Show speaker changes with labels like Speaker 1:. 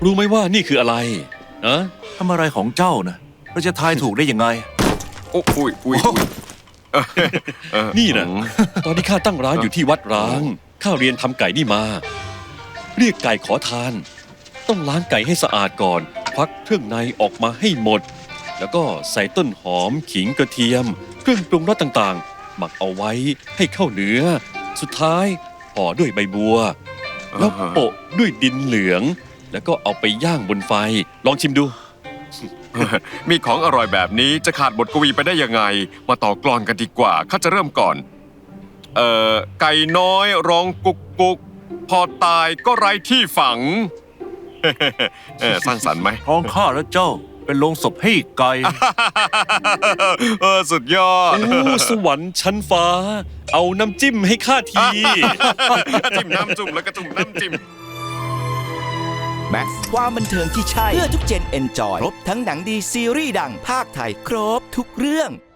Speaker 1: รู้ไหมว่านี่คืออะไรนะ
Speaker 2: ทำอะไรของเจ้านะเราจะทายถูกได้ยังไง
Speaker 3: โอ้อุ้ย
Speaker 1: นี่นะตอนที่ข้าตั้งร้านอยู่ที่วัดร้างข้าเรียนทำไก่นี่มา เรียกไก่ขอทาน ต้องล้างไก่ให้สะอาดก่อนควักเครื่องในออกมาให้หมด แล้วก็ใส่ต้นหอมขิงกระเทียม เครื่องปรุงรสต่างๆ หมักเอาไว้ให้เข้าเนื้อ สุดท้ายห่อด้วยใบบัว แล้วโปะด้วยดินเหลือง แล้วก็เอาไปย่างบนไฟ ลองชิมดู
Speaker 3: มีของอร่อยแบบนี้จะขาดบทกวีไปได้ยังไง มาต่อกลอนกันดีกว่าข้าจะเริ่มก่อน ไก่น้อยร้องกุกกุกพอตายก็ไร้ที่ฝัง สร้างสรรค์ไหม
Speaker 2: ท้องข้าและเจ้าเป็นโลงศพให้ไก่
Speaker 3: สุดยอด
Speaker 1: โอ้สวรรค์ชั้นฟ้า เอาน้ำจิ้มให้ข้าที
Speaker 3: จิ้มน้ำจุ่มแล้วก็จุ่มน้ำจิ้ม
Speaker 4: แม็กซ์ความบันเทิงที่ใช่ เพื่อทุกเจนเอนจอย ครบทั้งหนังดีซีรีส์ดังภาคไทย ครบทุกเรื่อง